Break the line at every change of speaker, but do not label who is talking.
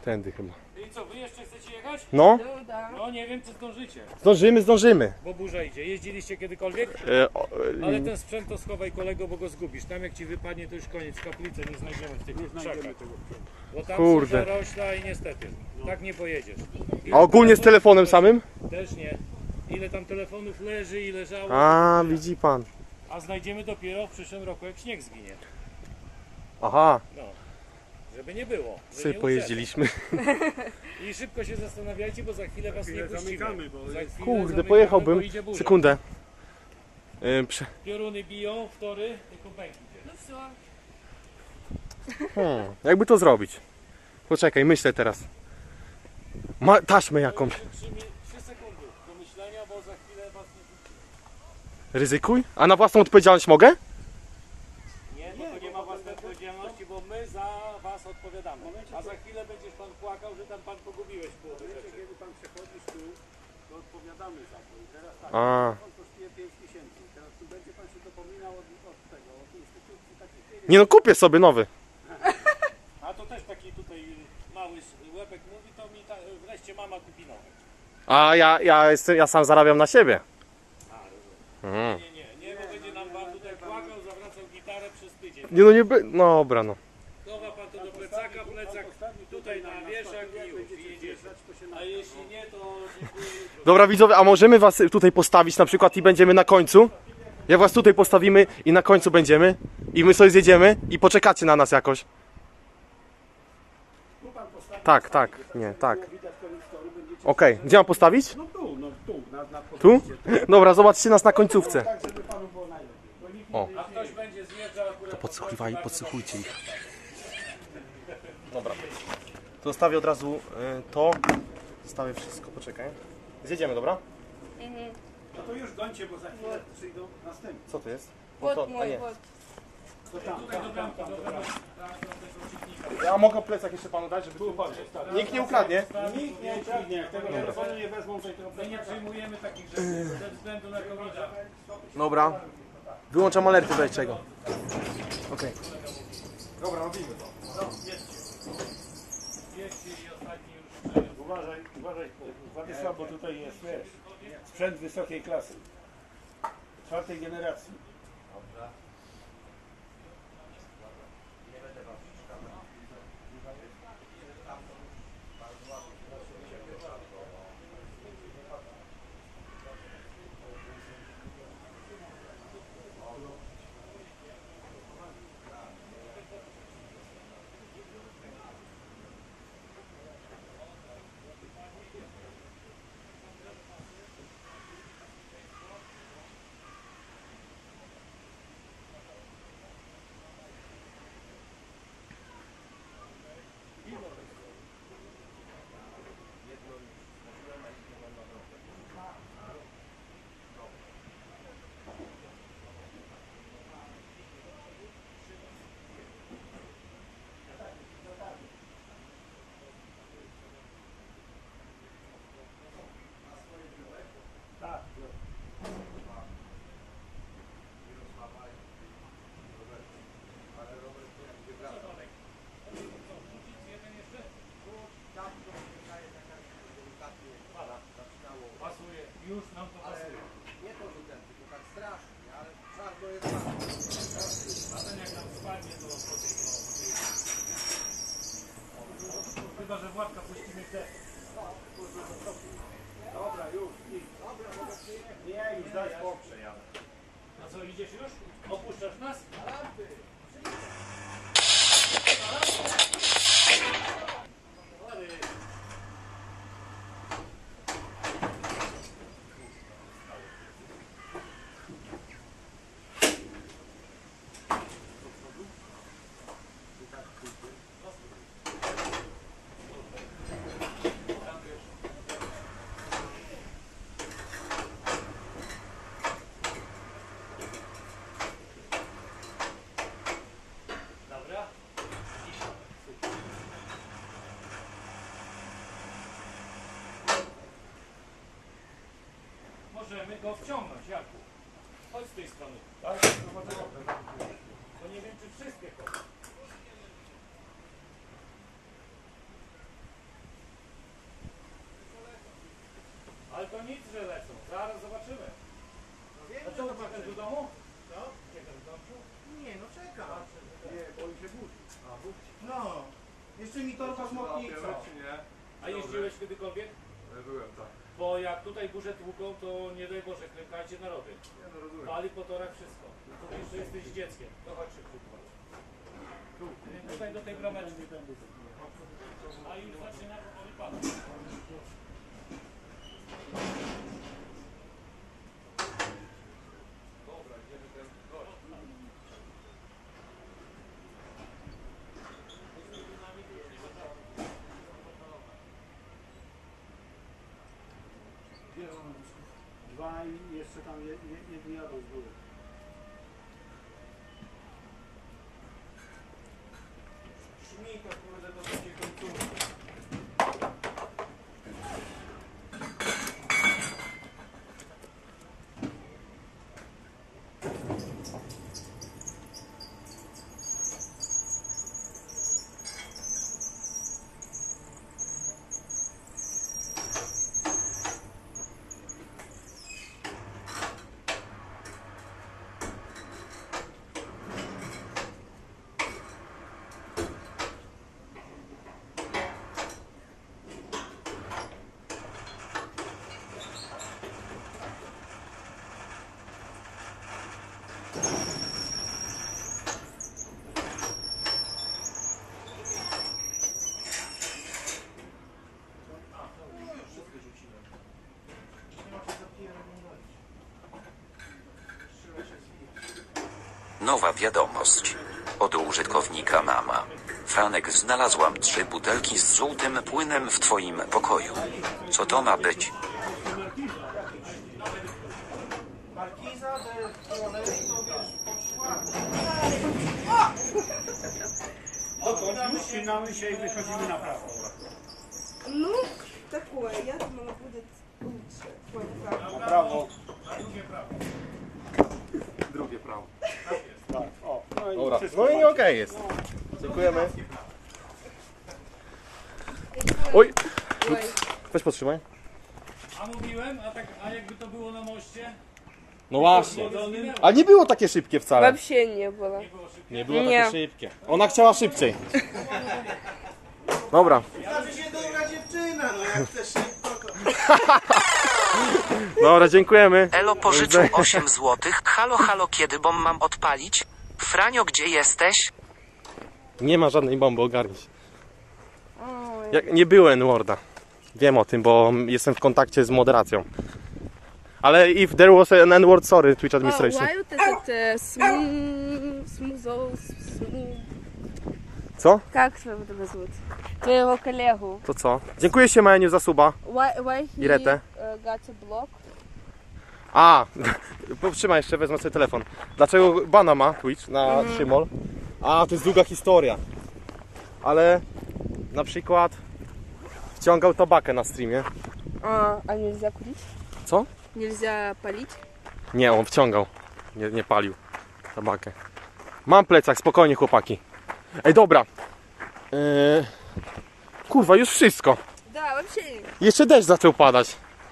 Tędy chyba.
I co, wy jeszcze chcecie jechać?
No,
No nie wiem, czy zdążycie.
zdążymy.
Bo burza idzie. Jeździliście kiedykolwiek? Ale ten sprzęt to schowaj kolego, bo go zgubisz. Tam jak ci wypadnie, to już koniec. Kaplicy nie znajdziemy w tych krzakach. Bo tam
Kurde.
są zarośla i niestety, tak nie pojedziesz.
A ogólnie z telefonem samym?
Też nie. Ile tam telefonów leży i leżało.
A, widzi pan.
A znajdziemy dopiero w przyszłym roku, jak śnieg zginie.
Aha,
No. Żeby nie było. że
sobie
nie
pojeździliśmy.
I szybko się zastanawiajcie, bo za chwilę was nie puścimy. Za chwilę
Kurde,
zamykamy,
pojechałbym.
bo idzie burza.
Sekundę.
Pioruny biją, wtory, tylko pęk idzie.
No все.
Jakby to zrobić? Poczekaj, myślę teraz. Taśmę jakąś.
3 sekundy do myślenia, bo za chwilę was nie puścimy.
Ryzykuj? A na własną odpowiedzialność mogę?
Nie, bo to nie ma własnej odpowiedzialności, bo my za was odpowiadamy. A za chwilę będziesz pan płakał, że tam pan pogubiłeś połowę rzeczy.
Kiedy pan przechodzisz tu, to odpowiadamy za to. I teraz tak,
A.
on kosztuje 5000. Teraz tu będzie pan się dopominał od tego, od instytucji takich pieniędzy.
Nie no, kupię sobie nowy.
A to też taki tutaj mały łebek mówi, to mi wreszcie mama kupi nowy.
A ja sam zarabiam na siebie.
Nie, bo będzie nam pan tutaj płakał, zawracał gitarę przez tydzień.
Nie no, nie by... No dobra, no.
Chowa pan to do plecaka, plecak tutaj na wieszak i już, i jedziecie. A jeśli nie, to dziękuję jutro.
Dobra widzowie, a możemy was tutaj postawić na przykład i będziemy na końcu? Jak was tutaj postawimy i na końcu będziemy i my sobie zjedziemy i poczekacie na nas jakoś. Tak, nie, tak. Okej, gdzie mam postawić?
No tu, na
Tu? Dobra, zobaczcie nas na końcówce.
tak, żeby panu było najlepiej. Bo nikt
O.
A ktoś będzie zjeżdżał akurat...
Podsłuchujcie ich. Dobra. To zostawię od razu to. Zostawię wszystko, poczekaj. Zjedziemy, dobra?
No to już gońcie, bo za chwilę przyjdą następni.
Co to jest?
Вот
To,
мой, вот.
To tam,
Ja mogę plecak jeszcze panu dać, żeby tu... Nikt nie ukradnie.
Nikt nie ukradnie, jak tego telefonu nie wezmą, to tego
My nie przyjmujemy takich rzeczy ze względu na covid.
Dobra. Wyłączam alerty do czego. Okej.
Dobra, robimy to. No, jedźcie i ostatni już...
Uważaj, Władysław, bo tutaj jest, wiesz, sprzęt wysokiej klasy. 4. generacji.
Pasuje, już nam to pasuje.
Nie to, że ten, tylko tak strasznie, ale czarno jest bardzo.
A ten jak nam spadnie, to chyba, że Władka puścimy też.
Dobra, już, idź. Nie, już daj spokój.
A co, idziesz już? Opuszczasz nas? Dobra. Możemy go wciągnąć, Jarku. Chodź z tej strony. Tak? To nie wiem, czy wszystkie koty. nic, że lecą. Zaraz zobaczymy.
No wiem,
A co, uciekasz do domu?
Co?
Uciekasz do domu?
Nie, no czekam.
Nie, bo on się budzi.
No. Jeszcze mi torba zmoknie i co?
A jeździłeś kiedykolwiek?
Byłem, tak.
Bo jak tutaj burze tłuką, to nie daj Boże, klękajcie narody.
Nie, no rozumiem.
Pali po torach wszystko. To jeszcze jesteś dzieckiem. To chodź szybko. Tutaj do tej brameczki. A już zaczyna powoli padać.
Dobra, idziemy ten gość.
Dwa i jeszcze tam jedni jadą z góry.
Szmi to kurde do takiej końcówki.
Nowa wiadomość. Od użytkownika mama. Franek, znalazłam 3 butelki z żółtym płynem w twoim pokoju. Co to ma być?
Markiza de Trolery to wiesz, poszła.
Dokąd? Ścinamy się i wychodzimy na prawo.
Ну, такое. Я думала, будет лучше. Ой, правда.
Na prawo.
Drugie prawo.
Tak, o. No i
Dobra,
wszystko
no i
macie.
okej jest. Dziękujemy. Oj,
Ой.
weź podtrzymaj.
A mówiłem, a jakby to było na moście?
No właśnie.
Zginęło.
A nie było takie szybkie wcale.
Вообще не было.
Nie było
Nie.
takie szybkie. Ona chciała szybciej. Dobra.
Znaczy się dobra dziewczyna, no jak chcesz szybko to...
Dobra, dziękujemy.
Elo pożyczył 8 złotych. Halo, halo, kiedy bomb mam odpalić? Franio, gdzie jesteś?
Nie ma żadnej bomby, ogarnij się.
Ой.
Nie było N-worda. Wiem o tym, bo jestem w kontakcie z moderacją. Ale if there was an N-word, sorry, Twitch administration.
Why вот этот
Co?
Как твоего зовут? Твоего коллегу.
To co? Dziękuję się Meniu za suba.
Why he
Iretę.
got a block?
A, powstrzymaj jeszcze, wezmę sobie telefon. Dlaczego bana ma Twitch na Szymol? A, to jest długa historia. Ale na przykład wciągał tabakę na streamie.
А нельзя курить?
Co?
Нельзя палить?
Nie, on wciągał. Nie palił tabakę. Mam plecak, spokojnie chłopaki. Ej, dobra. Kurwa, już wszystko.
Да, вообще.
Jeszcze deszcz zaczął padać.